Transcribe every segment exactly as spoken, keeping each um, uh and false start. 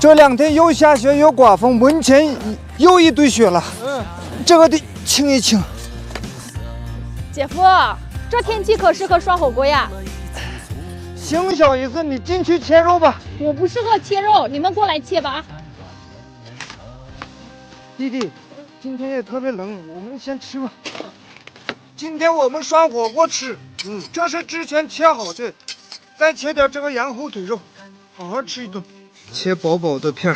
这两天又下雪又刮风，门前又一堆雪了。嗯，这个得清一清。 姐夫，这天气可适合涮火锅呀。 行，小姨子，你进去切肉吧。 我不适合切肉，你们过来切吧。 弟弟，今天也特别冷，我们先吃吧。今天我们涮火锅吃，嗯，这是之前切好的，再切点这个羊后腿肉，好好吃一顿。切薄薄的片儿，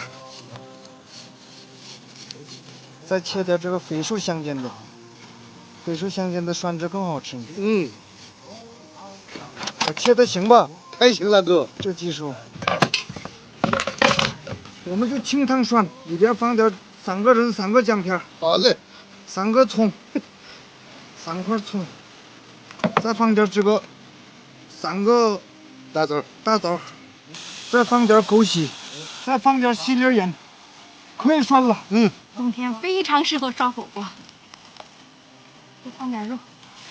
再切点这个飞树香煎的，飞树香煎的涮着更好吃。 嗯， 我切的行吧？ 还行了，哥， 这技术。我们就清汤涮，里边放点三个人三个姜片， 好嘞， 三个葱，三块葱，再放点这个三个大枣， 大枣，再放点枸杞，再放点细粒盐，可以涮了。 嗯， 冬天非常适合涮火锅。多放点肉。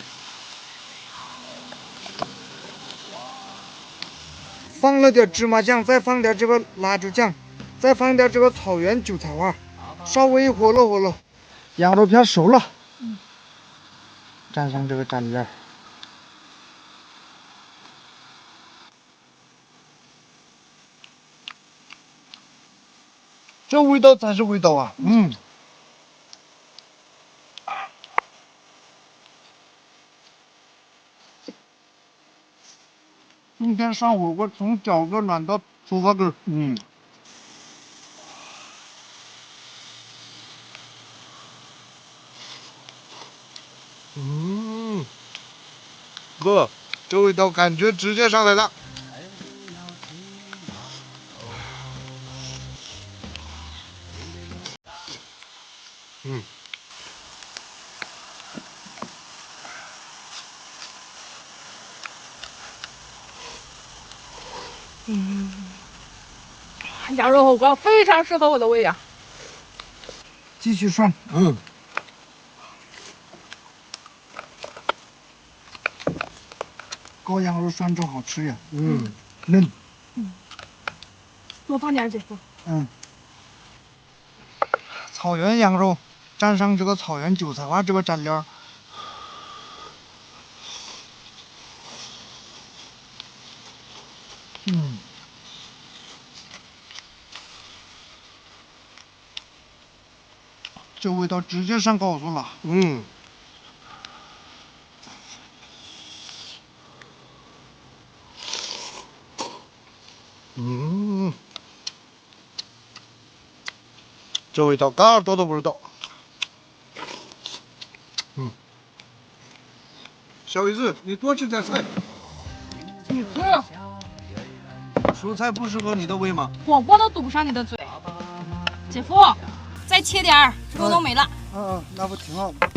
放了点芝麻酱，再放点这个辣椒酱，再放点这个草原韭菜花，稍微火了火了，羊肉片熟了。嗯，蘸上这个蘸料。这味道才是味道啊！嗯。今天涮火锅从脚跟暖到出发根。嗯。 嗯，哥，这味道感觉直接上来了。嗯。 嗯，羊肉火锅非常适合我的胃呀。 继续涮。 嗯。 羔羊肉涮着好吃呀。 嗯， 嫩。 嗯，多放点姐夫。 嗯。草原羊肉蘸上这个草原韭菜花这个蘸料。嗯。这味道直接上高速了。 嗯。嗯，这味道嘎耳朵都不知道。嗯，小姨子，你多吃点菜。 你吃。 蔬菜不适合你的胃吗？ 火锅都堵不上你的嘴。姐夫，再切点儿，肉都没了。 嗯嗯，那不挺好吗？